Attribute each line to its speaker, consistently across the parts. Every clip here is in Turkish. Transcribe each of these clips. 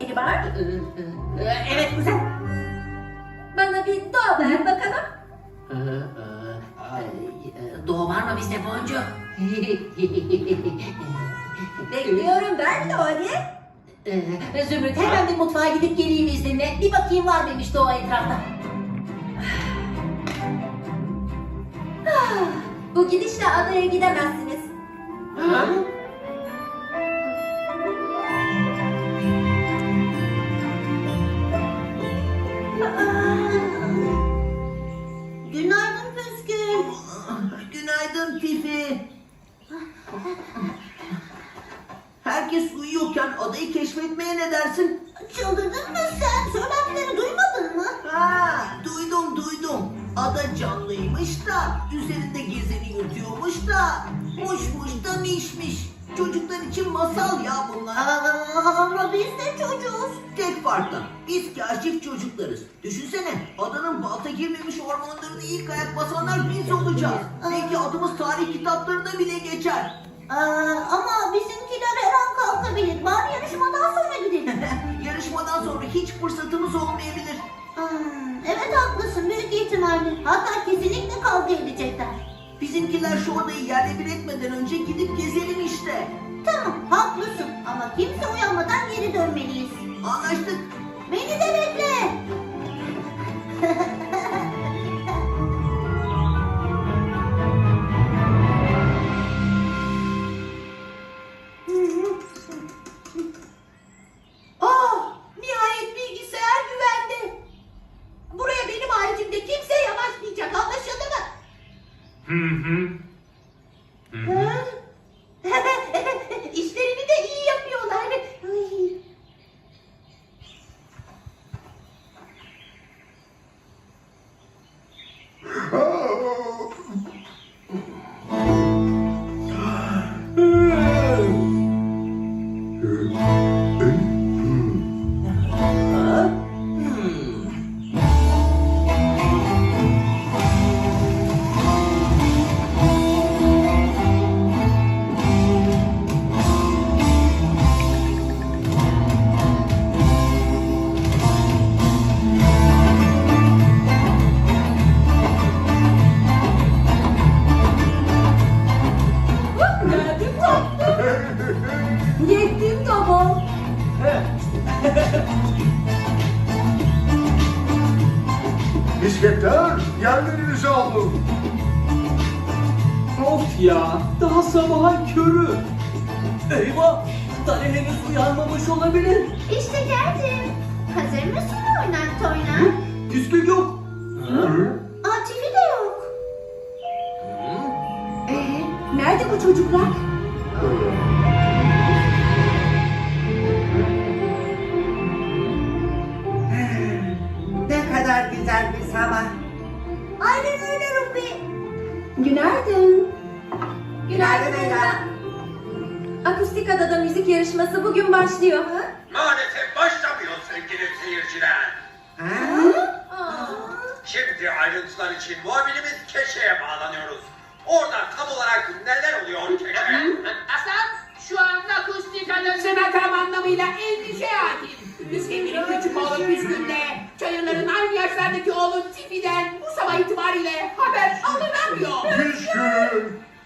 Speaker 1: rengi var?
Speaker 2: Evet güzel.
Speaker 1: Bana bir doğa ver bakalım.
Speaker 2: Doğu var mı bizde Boncu?
Speaker 1: Bekliyorum ben Lori.
Speaker 2: Zümrüt hemen bir mutfağa gidip geleyim izninle. Bir bakayım var mıymış Doğu etrafta.
Speaker 1: Bu gidişle adaya gidemezsiniz.
Speaker 3: Günaydın Püskül.
Speaker 4: Günaydın Fifi. Herkes uyuyorken adayı keşfetmeye ne dersin?
Speaker 3: Çıldırdın mı sen? Söylenenleri duymadın mı?
Speaker 4: Ha, duydum. Ada canlıymış da, üzerinde gezeni yutuyormuş da, muşmuş da mişmiş. Çocuklar için masal ya bunlar.
Speaker 3: Ama biz de çocuğuz.
Speaker 4: Tek farkla biz kaşif çocuklarız. Düşünsene adanın balta girmemiş ormanlarına ilk ayak basanlar biz olacağız. Belki adımız tarih kitaplarında bile geçer.
Speaker 3: Ama bizimkiler her an kalkabilir. Bari yarışmadan sonra gidelim.
Speaker 4: Yarışmadan sonra hiç fırsatımız olmayabilir.
Speaker 3: Evet haklısın büyük ihtimalle. Hatta kesinlikle kavga edecekler.
Speaker 4: Bizimkiler şu adayı yerle bir etmeden önce gidip gezelim işte.
Speaker 3: Tamam haklısın ama kimse uyanmadan geri dönmeliyiz.
Speaker 4: Anlaştık.
Speaker 3: Beni de bekle.
Speaker 5: Nihayet bilgisayar güvende. Buraya benim haricimde kimse yanaşmayacak, anlaşıldı mı? İşlerini de iyi yapıyorlar. Ay.
Speaker 1: Geldim tatlım. Yettim tamam.
Speaker 6: Misketler, yerlerinizi aldım.
Speaker 7: Of ya, daha sabahın körü. Eyvah, Dani henüz uyanmamış olabilir.
Speaker 3: İşte geldim. Hazır mısın oynak toynak?
Speaker 7: Püskül yok.
Speaker 3: Tipi de yok.
Speaker 1: Nerede bu çocuklar?
Speaker 5: Ne kadar güzel bir sabah.
Speaker 3: Aynen öyle Rupi.
Speaker 1: Günaydın.
Speaker 5: Günaydın Ela.
Speaker 1: Akustik Adada müzik yarışması bugün başlıyor.
Speaker 8: Maalesef başlamıyor sevgili seyirciler. Şimdi ayrıntılar için muhabirimiz Keşe'ye bağlanıyoruz. Orada tam olarak neler oluyor Keşe?
Speaker 9: Hasan şu anda akustik adasına tam anlamıyla endişe hakim. Sevgili küçük oğlum Püskül'le çayırların aynı yaşlardaki oğlu Tifi'den bu sabah itibariyle haber alınamıyor.
Speaker 6: Püskül.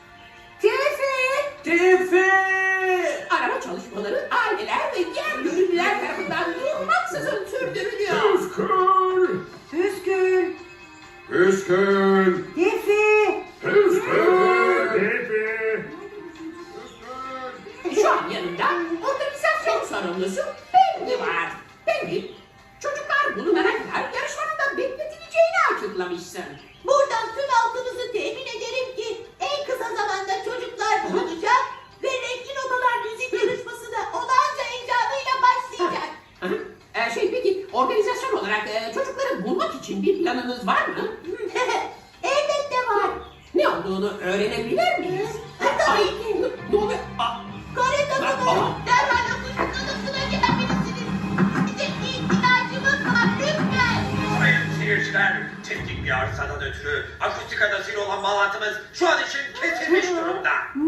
Speaker 7: Tifi!
Speaker 9: Arama çalışmaları aileler ve diğer gönüllüler tarafından durmaksızın sürdürülüyor.
Speaker 6: Püskül.
Speaker 5: Püskül.
Speaker 6: Püskül.
Speaker 5: Tifi.
Speaker 6: Püskül. Tipi.
Speaker 9: Şu an yanında organizasyon sorumlusu Penny var. Penny, çocuklar bulunana kadar yarışmanın da bekletileceğini açıklamışsın.
Speaker 5: Buradan tüm halkımızı temin ederim ki en kısa zamanda çocuklar bulunacak ve renkli notalar müzik yarışması da olağanca heyecanıyla başlayacak.
Speaker 9: Peki organizasyon olarak çocukları bulmak için bir planınız var mı?
Speaker 5: Elbette var.
Speaker 9: Ne olduğunu öğrenebilir miyiz?
Speaker 5: Tabii ki.
Speaker 9: Ne oluyor?
Speaker 5: Karetonu'nun derhal akustik adasına gelebilirsiniz. Bizim ihtiyacımız var lütfen.
Speaker 8: Sayın seyirciler, teknik bir arızadan ötürü akustik adasıyla olan bağlantımız şu an için kesilmiş durumda.